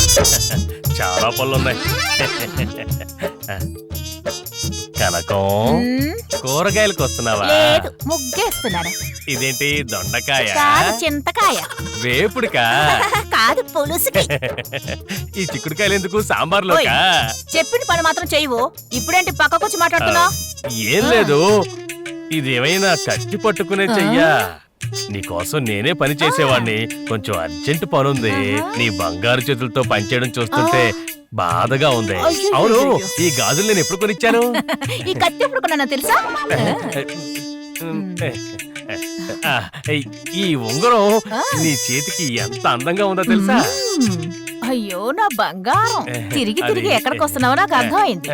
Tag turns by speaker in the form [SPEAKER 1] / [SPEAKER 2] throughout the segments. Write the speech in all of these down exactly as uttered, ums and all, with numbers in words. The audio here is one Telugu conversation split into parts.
[SPEAKER 1] చాలా పళ్ళున్నాయి. కనకం, కూరగాయలకు వస్తున్నావా?
[SPEAKER 2] లేదు, ముగ్గేస్తున్నాను.
[SPEAKER 1] ఇదేంటి, దొండకాయ?
[SPEAKER 2] కాదు, చింతకాయ.
[SPEAKER 1] వేపుడుకా?
[SPEAKER 2] కాదు, పులుసుకి.
[SPEAKER 1] ఈ చిక్కుడుకాయలు ఎందుకు సాంబార్లోకా?
[SPEAKER 2] చెప్పిన పని మాత్రం చెయ్యవు. ఇప్పుడేంటి పక్కకొచ్చి మాట్లాడుతున్నావు?
[SPEAKER 1] ఏం లేదు, ఇదేమైనా కట్టి పట్టుకునే చెయ్యా? నీకోసం నేనే పని చేసేవాణ్ణి. కొంచెం అర్జెంట్ పనుంది. నీ బంగారు చేతులతో పనిచేయడం చూస్తుంటే బాధగా ఉంది. అవును, ఈ గాజులు నేను ఎప్పుడు కొనిచ్చాను?
[SPEAKER 2] ఈ కత్తి ఎప్పుడు కొన్నా తెలుసా?
[SPEAKER 1] ఈ ఉంగరం నీ చేతికి ఎంత అందంగా ఉందో తెలుసా?
[SPEAKER 2] అయ్యో నా బంగారం, తిరిగి తిరిగి ఎక్కడికి వస్తున్నావో నాకు అర్థమైంది.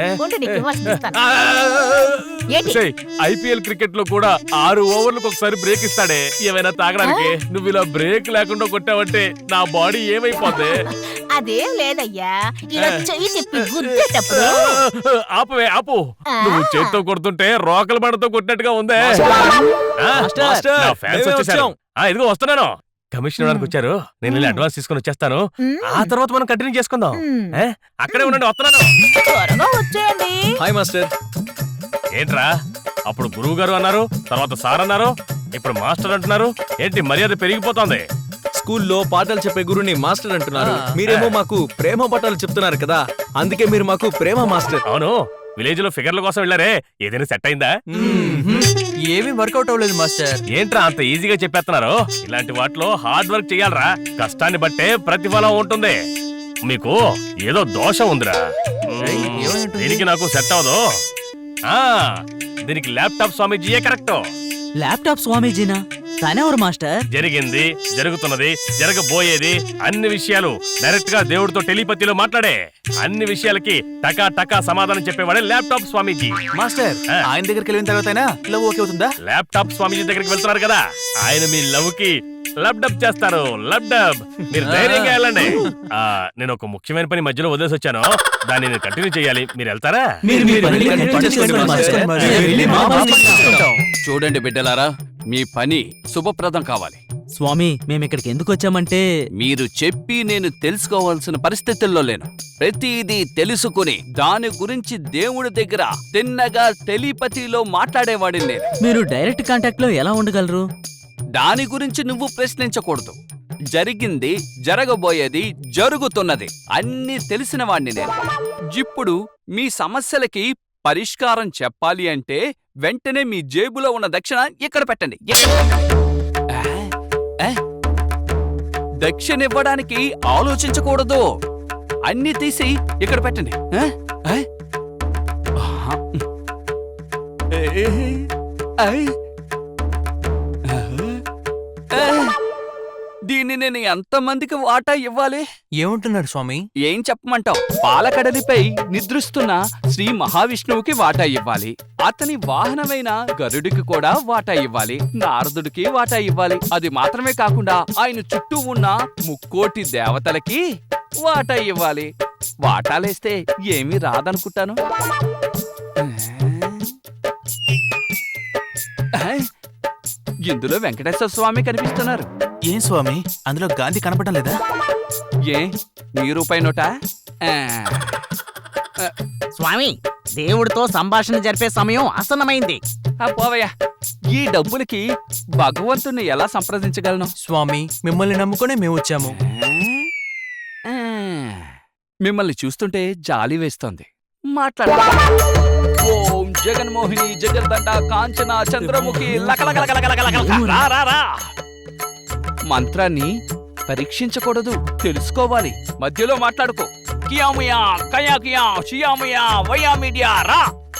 [SPEAKER 1] ఐపీఎల్ క్రికెట్ లో కూడా ఆరు ఓవర్లకు ఒకసారి బ్రేక్ ఇస్తాడే, ఏమైనా తాగడానికి. నువ్వు ఇలా బ్రేక్ లేకుండా కొట్టావంటే నా బాడీ ఏమైపోద్ది?
[SPEAKER 2] అదేం లేదయ్యా, ఇలా చెయ్యి తిప్పి గుద్దేటప్పుడు.
[SPEAKER 1] ఆపవే, ఆపు. నువ్వు చేత్తో కొడుతుంటే రోకల బండతో కొట్టినట్టుగా ఉందే. ఫ్యాన్స్ వచ్చేసారు. ఇదిగో వస్తున్నాను. కమిషన్ ఇవ్వడానికి వచ్చారు. నేను వెళ్ళి అడ్వాన్స్ తీసుకుని వచ్చేస్తాను. ఆ తర్వాత మనం కంటిన్యూ చేసుకుందాం. అక్కడే ఉండండి, వస్తున్నాను.
[SPEAKER 2] త్వరగా వచ్చేయండి.
[SPEAKER 3] Hi master.
[SPEAKER 1] ఏంట్రా, అప్పుడు గురువు గారు అన్నారు, తర్వాత సార్ అన్నారు, ఇప్పుడు మాస్టర్ అంటున్నారు. ఏంటి మర్యాద పెరిగిపోతుంది?
[SPEAKER 3] స్కూల్లో పాఠాలు చెప్పే గురుని మాస్టర్ అంటున్నారు, మీరేమో మాకు ప్రేమ పాఠాలు చెప్తున్నారు కదా, అందుకే మీరు మాకు ప్రేమ మాస్టర్.
[SPEAKER 1] అవును, విలేజ్ లో ఫిగర్ల కోసం వెళ్ళారే, ఏదైనా సెట్ అయిందా?
[SPEAKER 4] ఏమీ వర్కౌట్ అవ్వలేదు మాస్టర్.
[SPEAKER 1] ఏంట్రా అంత ఈజీగా చెప్పేస్తున్నారు? ఇలాంటి వాటిలో హార్డ్ వర్క్ చెయ్యాలరా. కష్టాన్ని బట్టే ప్రతిఫలం ఉంటుంది. మీకు ఏదో దోషం ఉందిరా. దీనికి నాకు సెట్ అవ్వదు. ఆ దీనికి ల్యాప్టాప్ స్వామీజీయే కరెక్ట్.
[SPEAKER 4] ల్యాప్టాప్ స్వామీజీనా? తనెవరు మాస్టర్?
[SPEAKER 1] జరిగింది, జరుగుతున్నది, జరగబోయేది అన్ని విషయాలు డైరెక్ట్ గా దేవుడితో టెలిపతిలో మాట్లాడే. అన్ని విషయాలకి టకా టకా సమాధానం చెప్పేవాడే ల్యాప్టాప్ స్వామీజీ.
[SPEAKER 3] మాస్టర్, ఆయన దగ్గరికి వెళ్ళిన తర్వాత లవ్ ఓకే అవుతుందా?
[SPEAKER 1] ల్యాప్టాప్ స్వామీజీ దగ్గరికి వెళ్తున్నారు కదా, ఆయన మీ లవ్ కి లబ్ డబ్ చేస్తారు. Lub dub. మీరు ధైర్యంగా వెళ్ళండి. ఆ నేను ఒక ముఖ్యమైన పని మధ్యలో వదిలేసి వచ్చాను, దాన్ని నేను కంటిన్యూ చేయాలి. మీరు వెళ్తారా?
[SPEAKER 5] చూడండి బిడ్డలారా, మీ పని శుభప్రదం కావాలి.
[SPEAKER 4] స్వామి, మేమిక్కడికి ఎందుకు వచ్చామంటే,
[SPEAKER 5] మీరు చెప్పి నేను తెలుసుకోవాల్సిన పరిస్థితుల్లో లేను. ప్రతిదీ తెలుసుకుని దాని గురించి దేవుడి దగ్గర తిన్నగా టెలిపతిలో మాట్లాడేవాడిని నేను.
[SPEAKER 4] మీరు డైరెక్ట్ కాంటాక్ట్ లో ఎలా ఉండగలరు?
[SPEAKER 5] దాని గురించి నువ్వు ప్రశ్నించకూడదు. జరిగింది, జరగబోయేది, జరుగుతున్నది అన్నీ తెలిసిన వాణ్ణి నేను. ఇప్పుడు మీ సమస్యలకి పరిష్కారం చెప్పాలి అంటే వెంటనే మీ జేబులో ఉన్న దక్షిణ ఇక్కడ పెట్టండి. దక్షిణ ఇవ్వడానికి ఆలోచించకూడదు, అన్ని తీసి ఇక్కడ పెట్టండి. దీన్ని నేను ఎంతమందికి వాటా ఇవ్వాలి?
[SPEAKER 4] ఏమంటున్నారు స్వామి?
[SPEAKER 5] ఏం చెప్పమంటావు? పాలకడలిపై నిద్రిస్తున్న శ్రీ మహావిష్ణువుకి వాటా ఇవ్వాలి, అతని వాహనమైన గరుడికి కూడా వాటా ఇవ్వాలి, నారదుడికి వాటా ఇవ్వాలి. అది మాత్రమే కాకుండా ఆయన చుట్టూ ఉన్న ముక్కోటి దేవతలకి వాటా ఇవ్వాలి. వాటాలేస్తే ఏమీ రాదనుకుంటాను. ఇందులో వెంకటేశ్వర స్వామి కనిపిస్తున్నారు.
[SPEAKER 3] ఏం స్వామి, అందులో గాంధీ కనపడడం లేదా?
[SPEAKER 5] ఏ నీ రూపాయి నోటా?
[SPEAKER 6] స్వామి, దేవుడితో సంభాషణ జరిపే సమయం ఆసన్నమైంది.
[SPEAKER 5] పోవయ్యా, ఈ డబ్బులకి భగవంతుణ్ణి ఎలా సంప్రదించగలను?
[SPEAKER 4] స్వామి, మిమ్మల్ని నమ్ముకునే మేము వచ్చాము.
[SPEAKER 5] మిమ్మల్ని చూస్తుంటే జాలి వేస్తోంది. మాట్లాడ. ఓం జగన్మోహిని జగదండ కాంచన చంద్రముఖి లకలకలకలకలకలకల. మంత్రాన్ని పరీక్షించకూడదు, తెలుసుకోవాలి. మధ్యలో మాట్లాడుకో. కియాముయా కయా కియా చియాముయా వయా మీడియా రా.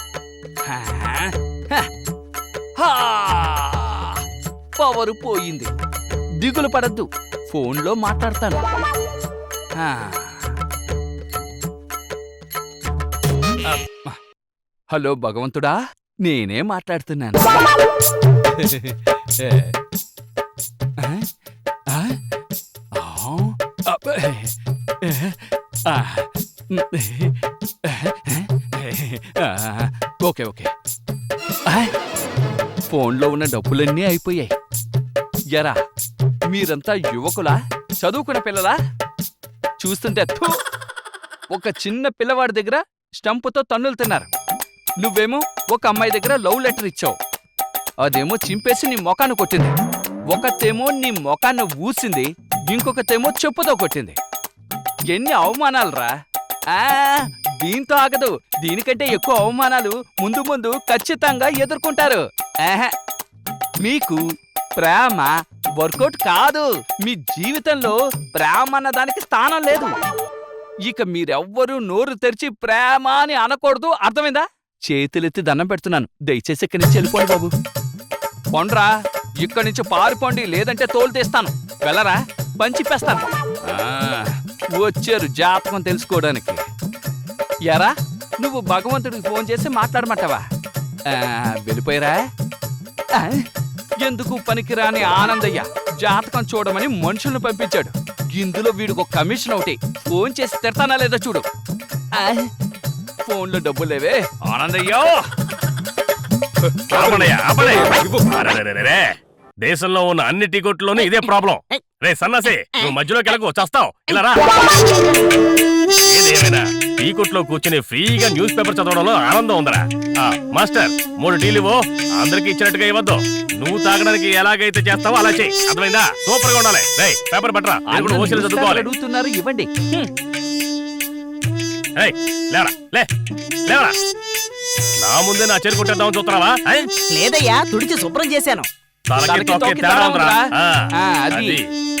[SPEAKER 5] పవరు పోయింది. దిగులు పడద్దు, ఫోన్లో మాట్లాడతాను. హలో భగవంతుడా, నేనే మాట్లాడుతున్నాను. Okay okay. ఫోన్లో ఉన్న డబ్బులన్నీ అయిపోయాయి. ఎరా, మీరంతా యువకులా, చదువుకున్న పిల్లలా? చూస్తుంటే థు. ఒక చిన్న పిల్లవాడి దగ్గర స్టంపుతో తన్నులు తిన్నారు. నువ్వేమో ఒక అమ్మాయి దగ్గర లవ్ లెటర్ ఇచ్చావు. అదేమో చింపేసి నీ మొఖాన్ని కొట్టింది. ఒకతేమో నీ మొఖాన్ని ఊసింది, ఇంకొకతేమో చెప్పుతో కొట్టింది. ఎన్ని అవమానాలురా! ఆ దీంతో ఆగదు. దీనికంటే ఎక్కువ అవమానాలు ముందు ముందు ఖచ్చితంగా ఎదుర్కొంటారు. ఆహా, మీకు ప్రేమ వర్కౌట్ కాదు. మీ జీవితంలో ప్రేమ అన్న దానికి స్థానం లేదు. ఇక మీరెవ్వరూ నోరు తెరిచి ప్రేమ అని అనకూడదు, అర్థమైందా? చేతులెత్తి దండం పెడుతున్నాను, దయచేసి ఇక్కడి నుంచి వెళ్ళిపోండి బాబు. పొండ్రా, ఇక్కడి నుంచి పారిపోండి, లేదంటే తోలు తీస్తాను. వెళ్ళరా, పంచిపేస్తాను. వచ్చారు జాతకం తెలుసుకోవడానికి. ఎరా, నువ్వు భగవంతుడికి ఫోన్ చేసి మాట్లాడమంటావా? వెళ్ళిపోయారా? ఆ, ఎందుకు పనికిరాని ఆనందయ్య జాతకం చూడమని మనుషులను పంపించాడు. ఇందులో వీడికి ఒక కమిషన్ ఒకటి. ఫోన్ చేసి తిడతానా లేదా చూడు. ఆ, ఫోన్లో డబ్బులు లేవే ఆనందయ్యో.
[SPEAKER 1] ఆపనయ్యా, ఆపనయ్య. అరెరెరెరెరే. దేశంలో ఉన్న అన్ని టీ కొట్లోనూ ఇదే ప్రాబ్లం. రే సన్నాసి, నువ్వు మధ్యలోకి వెళ్ళకు, చస్తావు. ఇలా రా. ఏదేమైనా టీ కొట్లో కూర్చుని ఫ్రీగా న్యూస్ పేపర్ చదవడంలో ఆనందం ఉందరా. ఆ, మాస్టర్, మూడు టీలు ఇవ్వు. అందరికి ఇచ్చినట్టుగా ఇవ్వద్దు. నువ్వు తాగడానికి ఎలాగైతే చేస్తావో అలా చెయ్యి, అర్థమైందా? సూపర్ గా ఉండాలి. రే పేపర్ పట్టరా, ఓసీలు చదువుకోవాలి.
[SPEAKER 5] అడుగుతున్నారు, ఇవ్వండి.
[SPEAKER 1] లేవరా, లే లేవరా. నా ముందే నా చెరు కొట్టేద్దామని చూస్తున్నావా?
[SPEAKER 6] లేదయ్యా, తుడిచి శుభ్రం చేశాను.
[SPEAKER 1] తలకి తొక్కి తేడా ఉందిరా. ఆ, అది.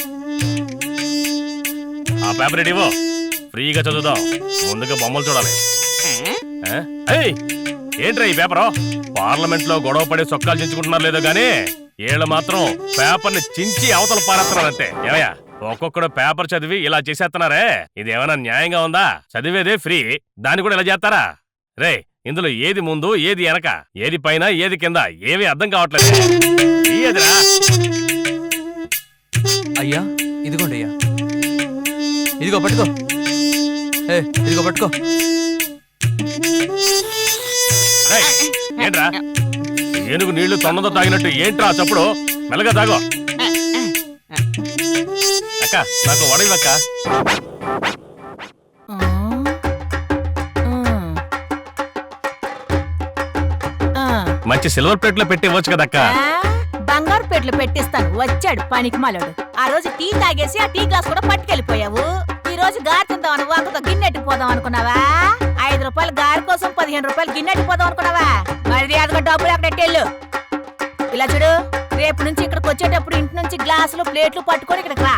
[SPEAKER 1] ఆ పేపర్ ఇవ్వు, ఫ్రీగా చదువుదాం. ముందుగా బొమ్మలు చూడాలి. ఏంట్రా ఈ పేపరు? పార్లమెంట్ లో గొడవ పడి సొక్కాలు చించుకుంటున్నారు లేదో గానీ వీళ్ళు మాత్రం పేపర్ ని చించి అవతల పారేస్తున్నారంతే. ఏమయ్యా, ఒక్కొక్కడు పేపర్ చదివి ఇలా చేసేస్తున్నారే, ఇది ఏమైనా న్యాయంగా ఉందా? చదివేదే ఫ్రీ, దాన్ని కూడా ఇలా చేస్తారా? రే, ఇందులో ఏది ముందు ఏది వెనక, ఏది పైన ఏది కింద, ఏమీ అర్థం కావట్లేదు. ఏదిరా?
[SPEAKER 4] అయ్యా, ఇదిగోండి అయ్యా. ఇదిగో పట్టుకో. ఏ, ఇదిగో పట్టుకో.
[SPEAKER 1] ఏంట్రా, ఏనుగు నీళ్లు తొన్నదో తాగినట్టు ఏంట్రా చప్పుడు? మెల్లగా తాగో. అక్క, నాకు వడవివక్క. మంచి సిల్వర్ ప్లేట్ లో పెట్టి ఇవ్వచ్చు కదక్క.
[SPEAKER 2] బంగారు పెట్లు పెట్టిస్తాను. వచ్చాడు పనికి మాలాడు. ఆ రోజు టీ తాగేసి ఆ టీ గ్లాస్ కూడా పట్టుకెళ్ళిపోయావు. ఈ రోజు గారి తిందామని వాకతో గిన్నెట్టి పోదాం అనుకున్నావా? ఐదు రూపాయలు గారి కోసం పదిహేను రూపాయలు గిన్నెట్టి పోదాం అనుకున్నావా? మరి అదిగా డబ్బులు అక్కడెట్టెళ్ళు. ఇలా చూడు, రేపు నుంచి ఇక్కడికి వచ్చేటప్పుడు ఇంటి నుంచి గ్లాసులు ప్లేట్లు పట్టుకొని ఇక్కడికి రా.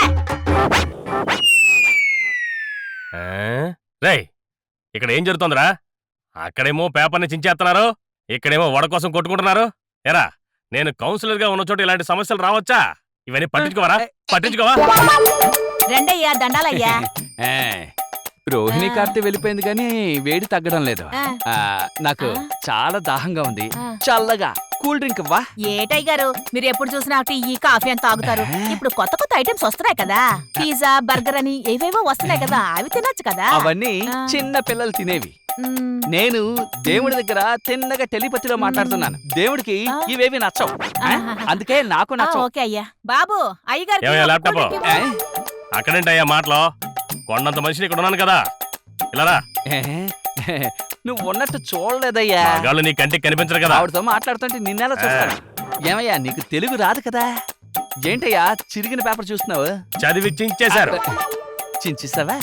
[SPEAKER 1] రేయ్, ఇక్కడ ఏం జరుగుతుందిరా? అక్కడేమో పేపర్ని చించేస్తున్నారు, ఇక్కడేమో వడ కోసం కొట్టుకుంటున్నారు. ఎరా, నేను కౌన్సిలర్ గా ఉన్న చోట ఇలాంటి సమస్యలు రావచ్చా? ఇవన్నీ పట్టించుకోవరా? పట్టించుకోవా?
[SPEAKER 2] రెండయ్యా, దండాలయ్యా.
[SPEAKER 5] రోహిణి కార్తె వెళ్ళిపోయింది కానీ వేడి తగ్గడం లేదు. ఆ, నాకు చాలా దాహంగా ఉంది. చల్లగా కూల్ డ్రింక్ ఇవ్వా?
[SPEAKER 2] ఏటయ్య గారు, మీరు ఎప్పుడు చూసినా టీ కాఫీ అని తాగుతారు. ఇప్పుడు కొత్త కొత్త ఐటమ్స్ వస్తున్నాయి కదా, పిజ్జా బర్గర్ అని ఏవేవో వస్తున్నాయి కదా, అవి తినొచ్చు కదా.
[SPEAKER 5] అవన్నీ చిన్న పిల్లలు తినేవి. నేను దేవుడి దగ్గర తిన్నగా టెలిపతిలో మాట్లాడుతున్నాను. దేవుడికి ఇవేవి నచ్చవు, అందుకే నాకు నచ్చవు.
[SPEAKER 2] ఓకే అయ్యా. బాబు, అయ్యగారు
[SPEAKER 1] అక్కడేంటయ్యా మాటలో? కొండంత మనిషిని ఇక్కడ ఉన్నాను కదా, ఇలా
[SPEAKER 5] నువ్వు ఉన్నట్టు చూడలేదయ్యా.
[SPEAKER 1] గాళ్ళు నీ కంటికి కనిపించరు కదా.
[SPEAKER 5] ఆవిడతో మాట్లాడుతుంటే నిన్నెలా చూస్తాను? ఏమయ్యా, నీకు తెలుగు రాదు కదా? ఏంటయ్యా చిరిగిన పేపర్ చూస్తున్నావు?
[SPEAKER 1] చదివి చించేశారు.
[SPEAKER 5] చించేస్తావా?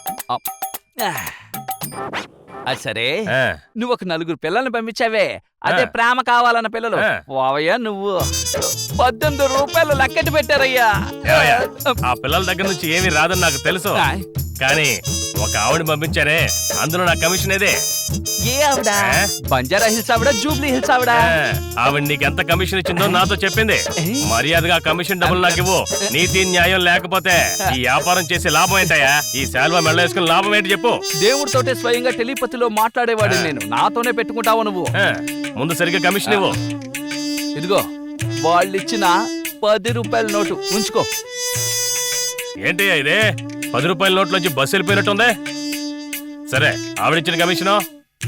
[SPEAKER 5] అది సరే, నువ్వు ఒక నలుగురు పిల్లల్ని పంపించావే, అదే ప్రేమ కావాలన్న పిల్లలు. ఓవయ్యా, నువ్వు పద్దెనిమిది రూపాయలు లెక్కటి పెట్టారయ్యా.
[SPEAKER 1] ఆ పిల్లల దగ్గర నుంచి ఏమీ రాదని నాకు తెలుసు, కానీ ఒక ఆవిడ పంపించారే, అందులో నా కమిషన్ ఏదే.
[SPEAKER 5] ఏ ఆవిడ? బంజారా హిల్స్ ఆవిడ, జూబ్లీ హిల్స్ ఆవిడ?
[SPEAKER 1] ఆవిడ నీకు ఎంత కమిషన్ ఇచ్చిందో నాతో చెప్పింది. మర్యాదగా కమిషన్ డబ్బులు నాకు ఇవ్వు. నీతి న్యాయం లేకపోతే ఈ వ్యాపారం చేసే లాభం ఏంటయ్యా? ఈ శాల్వా మెళ్ళ వేసుకుని లాభం ఏంటి చెప్పు.
[SPEAKER 5] దేవుడితోటే స్వయంగా టెలిపతిలో మాట్లాడేవాడు నేను. నాతోనే పెట్టుకుంటావు నువ్వు.
[SPEAKER 1] ముందు సరిగ్గా కమిషన్ ఇవ్వు.
[SPEAKER 5] ఇదిగో, వాళ్ళు ఇచ్చిన పది రూపాయల నోటు ఉంచుకో.
[SPEAKER 1] ఏంటి ఇదే? పది రూపాయల నోట్లోంచి బస్సు వెళ్ళిపోయినట్టుంది. సరే, ఆవిడిచ్చిన కమిషను?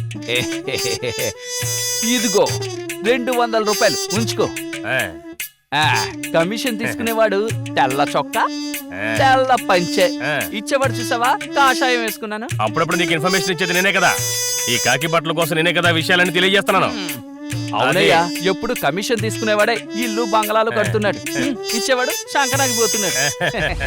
[SPEAKER 5] ఇదిగో రెండు వందల రూపాయలు ఉంచుకో. కమిషన్ తీసుకునేవాడు తెల్ల చొక్కా, తెల్ల పంచె
[SPEAKER 1] ఆ.
[SPEAKER 5] ఇచ్చేవాడు చూసావా కాషాయం వేసుకున్నాను.
[SPEAKER 1] అప్పుడప్పుడు నీకు ఇన్ఫర్మేషన్ ఇచ్చేది నేనే కదా. ఈ కాకి బట్టల కోసం నేనే కదా విషయాలని తెలియజేస్తున్నాను.
[SPEAKER 5] అవునయ్యా, ఎప్పుడు కమిషన్ తీసుకునేవాడే ఇల్లు బంగళాలు కడుతున్నాడు. ఇచ్చేవాడు శంకరాకి పోతున్నాడు.